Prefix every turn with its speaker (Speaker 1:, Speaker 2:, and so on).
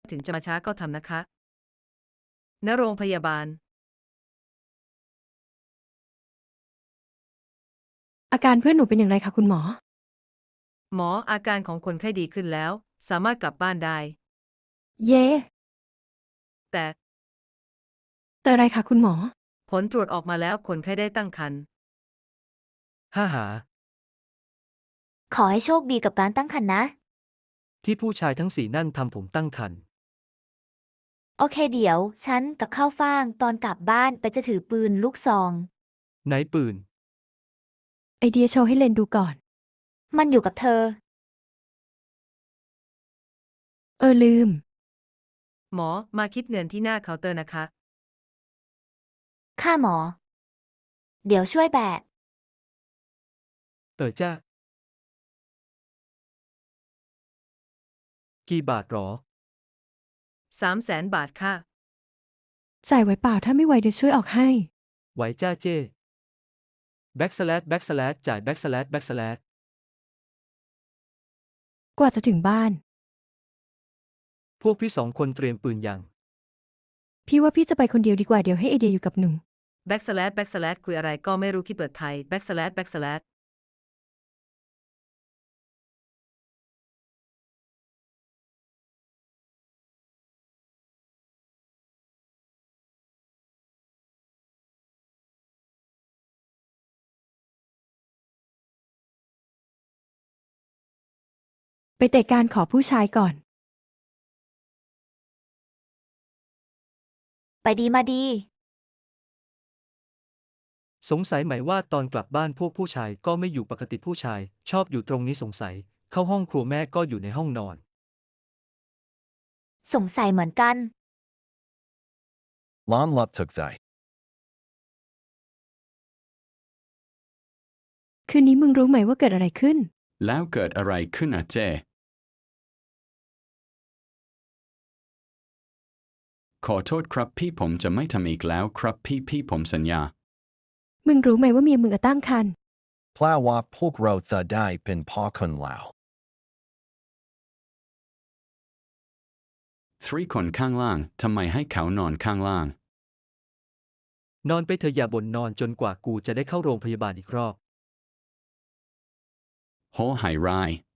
Speaker 1: ถึงจะมาช้าก็ทำนะคะณโรงพยาบาล
Speaker 2: อาการเพื่อนหนูเป็นอย่างไรคะคุณหมอ
Speaker 1: หมออาการของคนไข้ดีขึ้นแล้วสามารถกลับบ้านได้
Speaker 2: เย่
Speaker 1: แต่
Speaker 2: แต่อะไรคะคุณหมอ
Speaker 1: ผลตรวจออกมาแล้วคนไข้ได้ตั้งครรภ์
Speaker 3: ห้าหา
Speaker 4: ขอให้โชคดีกับการตั้งครรภ์นะ
Speaker 3: ที่ผู้ชายทั้ง4นั่นทำผมตั้งครรภ์
Speaker 4: โอเคเดี๋ยว ฉันกับข้าวฟ่างตอนกลับบ้านไปจะถือปืนลูกซอง
Speaker 3: ไหนปืน
Speaker 2: ไอเดียโชว์ให้เลนดูก่อน
Speaker 4: มันอยู่กับเธอ
Speaker 2: ลืม
Speaker 1: หมอมาคิดเงินที่หน้าเคาน์เตอร์นะคะ
Speaker 4: ค่าหมอ เดี๋ยวช่วยแบก
Speaker 3: จ้ากี่บาทหรอ
Speaker 1: 300,000 บาทค่ะ
Speaker 2: จ่ายไว้เปล่าถ้าไม่ไหวเดี๋ยวช่วยออกให้
Speaker 3: ไหวจ้าเจ้แบ็กสแลชจ่ายแบ็กสแลช
Speaker 2: กว่าจะถึงบ้าน
Speaker 3: พวกพี่2คนเตรียมปืนยัง
Speaker 2: พี่ว่าพี่จะไปคนเดียวดีกว่าเดี๋ยวให้ไอเดียอยู่กับหนู
Speaker 1: แบ็กสแลชคุยอะไรก็ไม่รู้คิดเปิดไทยแบ็กสแลช
Speaker 2: ไปเตะการขอผู้ชายก่อน
Speaker 4: ไปดีมาดี
Speaker 3: สงสัยไหมว่าตอนกลับบ้านพวกผู้ชายก็ไม่อยู่ปกติผู้ชาย ชอบอยู่ตรงนี้สงสัย เข้าห้องครัวแม่ก็อยู่ในห้องนอน
Speaker 4: สงสัยเหมือนกัน
Speaker 5: Lon Lup took thy.
Speaker 2: คืนนี้มึงรู้ไหมว่าเกิดอะไรขึ้น
Speaker 6: แล้วเกิดอะไรขึ้นอะเจขอโทษครับพี่ผมจะไม่ทำอีกแล้วครับพี่ผมสัญญา
Speaker 2: มึงรู้ไหมว่าเมียมึงตั้งครรภ์
Speaker 5: Plow wap pulk ro tha dai pin pa kun lao.
Speaker 6: 3 คนข้างล่างทำไมให้เขานอนข้างล่าง
Speaker 3: นอนไปเถอะอย่าบ่นนอนจนกว่ากูจะได้เข้าโรงพยาบาลอีกรอบ
Speaker 6: โหหายราย